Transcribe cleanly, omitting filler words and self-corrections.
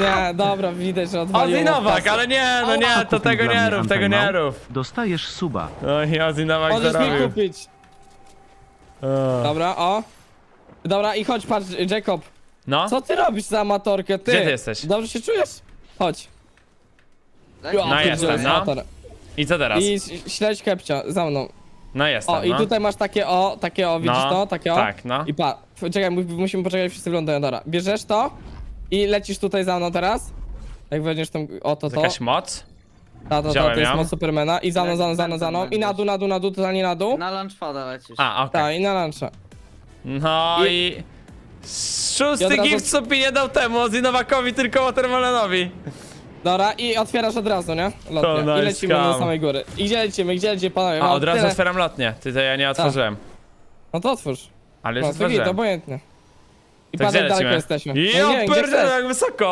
Nie, dobra, widać, że odwaliło. Ozzy Nowak, ale nie, no nie, to Kupił tego dla nie mnie rób, tego nie Antenał. rób. Dostajesz suba. Oj, Ozzy Nowak Możesz mi zarobił. kupić. O. Dobra, o. Dobra, i chodź, patrz, Jacob. No? Co ty robisz za amatorkę, ty? Gdzie ty jesteś? Dobrze się czujesz? Chodź. No jestem, no. Amator. I co teraz? I śledź Kepcia, za mną. No jestem, O, i no. tutaj masz takie o, widzisz No, to? Takie o. tak, no. I czekaj, musimy poczekać, wszyscy wyglądają, dobra. Bierzesz to i lecisz tutaj za mną teraz. Jak weźmiesz tą, To jakaś moc? to wziąłem jest ją. moc Supermana. I za mną. I na dół, totalnie na dół. Na lunchpada lecisz. A, okej. Tak, i na luncha. No I- i... I Szósty od razu- gift Supi nie dał temu, Ozzy Nowakowi, tylko Watermelonowi. Dobra, i otwierasz od razu, nie? To Lotnie. nice I lecimy scam. do samej góry. I gdzie lecimy, panowie? A, Mam od razu tyle. otwieram lotnię. Ty to ja nie otworzyłem. No to otwórz. Ale już No to git, otworzyłem. obojętnie. I To patrz, gdzie jak daleko lecimy? jesteśmy. No nie Jo, wiem, gdzie pierdolę, chcesz. jak wysoko!